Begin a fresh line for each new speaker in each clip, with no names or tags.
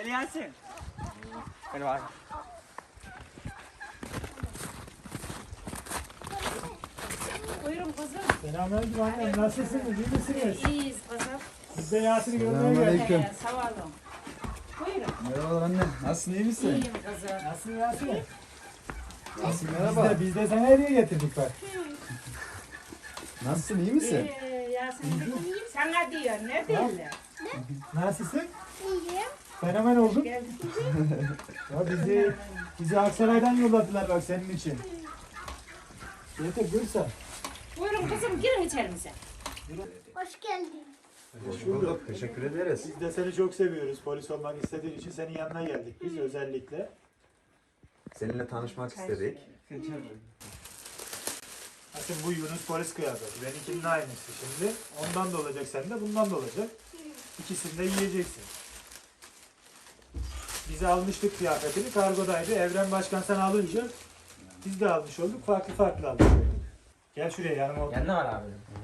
Hadi Yasin. Hadi bak.
Buyurun kızım.
Selamünaleyküm annem. Nasılsınız? İyi misiniz?
İyiyiz kızım.
Biz de Yasin'i görmeye geldik.
Selamünaleyküm.
Sağ olun. Buyurun.
Merhabalar anne. Nasılsın, iyi misin?
İyiyim kızım.
Nasılsın Yasin?
Nasılsın,
Biz
merhaba.
de, biz de sana hediye getirdik bak.
Nasılsın, iyi misin?
Yasemin sana diyor ne derler?
Nasılsın?
İyiyim.
Fenomen oldun.
Geldim.
Ya bizi Aksaray'dan yolladılar bak senin için. Yeter Gülsen.
Buyurun kızım girin içerimize.
Hoş geldin.
Hoş bulduk. Teşekkür ederiz.
Biz de seni çok seviyoruz. Polis olmak istediğin için senin yanına geldik biz özellikle.
Seninle tanışmak istedik.
Bakın bu Yunus polis kıyafeti. Benimkinin aynısı şimdi. Ondan da olacak sende, bundan da olacak. İkisini de yiyeceksin. Bize almıştık kıyafetini, kargodaydı. Evren Başkan sen alınca biz de almış olduk. Farklı farklı almış olduk. Gel şuraya yanıma otur.
Yanında var abi.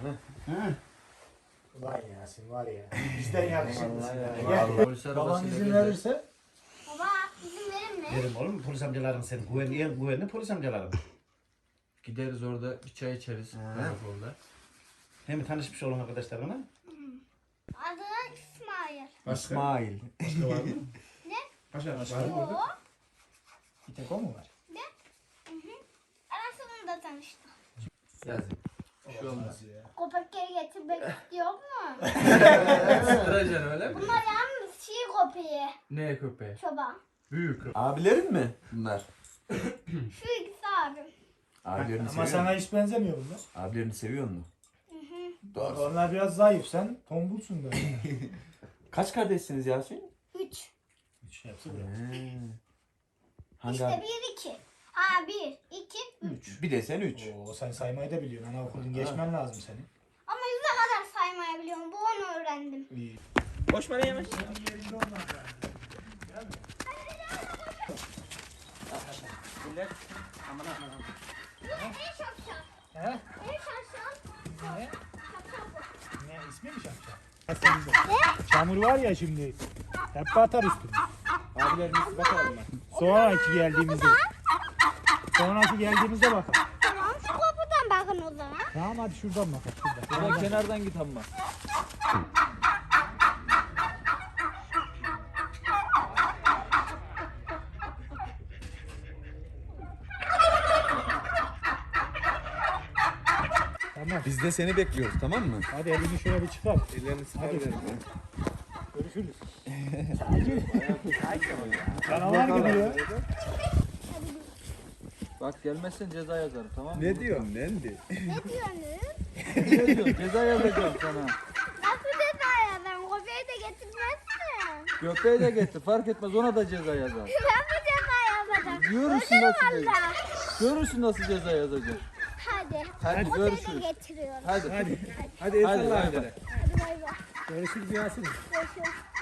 Ulan Yasin var ya. Bizden yakışıklısın.
Vallahi.
Gel.
Polis
Baban
arabasıyla
izin
geldi.
verirse
Baba izin verir mi?
Derim oğlum polis amcaların senin güvenli polis amcaların.
Gideriz orada bir çay içeriz. Karakolda.
Hem tanışmış olun arkadaşlarına.
Adı İsmail.
İsmail.
Başka var mı?
Ne?
Başka var mı orada?
bir tek o mu var?
Arasında tanıştık.
Yazın. Şu olmaz.
Köpekleri getirmek istiyor mu?
Sıracan öyle mi?
Bunlar yalnız köpeği.
Ne köpeği?
Çoban.
Büyük köpeği.
Abilerin mi bunlar?
Şu ikisi abim.
Abilerini
Ama
seviyor
sana
musun?
hiç benzemiyor bunlar.
Abilerini seviyor musun? Doğru.
Onlar biraz zayıf, sen tombulsun böyle.
Kaç kardeşsiniz Yasin?
3.
Üç yapsa
Hangi
İşte
abi?
1 2. Aa 1 2 3.
Bir de sen 3.
Oo, sen saymayı da biliyorsun. Anaokulun geçmen lazım senin.
Ama yüze kadar saymayı biliyorum. Bu onu öğrendim.
İyi.
Boş bana yemiş. Millet. Aman aman.
En şapşal.
He?
En şapşal.
Ne?
Şapşal bu.
Ne ismi mi Şamşam? Çamur var ya şimdi. Hep batar üstüne.
Abilerimiz bakalım ben.
Sonraki geldiğimizde. Sonraki geldiğimizde bakalım.
Tamam şu kapıdan bakın o zaman.
Tamam hadi şuradan bakalım. Şuradan.
Şuradan kenardan git amma.
Tamam.
Biz de seni bekliyoruz, tamam mı?
Hadi elini şöyle bir çıkar.
Ellerini sıkar
Hadi.
verin.
Görüşürüz. Canavar gibi ya.
Bak gelmezsen ceza yazarım tamam mı?
Ne diyorsun Nendi?
Ne diyorsunuz?
Ne diyorsun? Ceza yazacağım sana.
Nasıl ceza yazarım? Köpeği de getirmezsin.
Köpeği de getir fark etmez ona da ceza yazar.
Ben bu ceza yazacağım.
Görürsün nasıl ceza.
Valla.
Görürsün nasıl ceza yazacak.
Hadi.
Hadi
Köpeği de
görüşürüz.
getiriyorum.
Hadi.
Hadi.
Hadi
Hadi.
Hadi bay bay.
Görüşürüz Yasin.
Görüşürüz.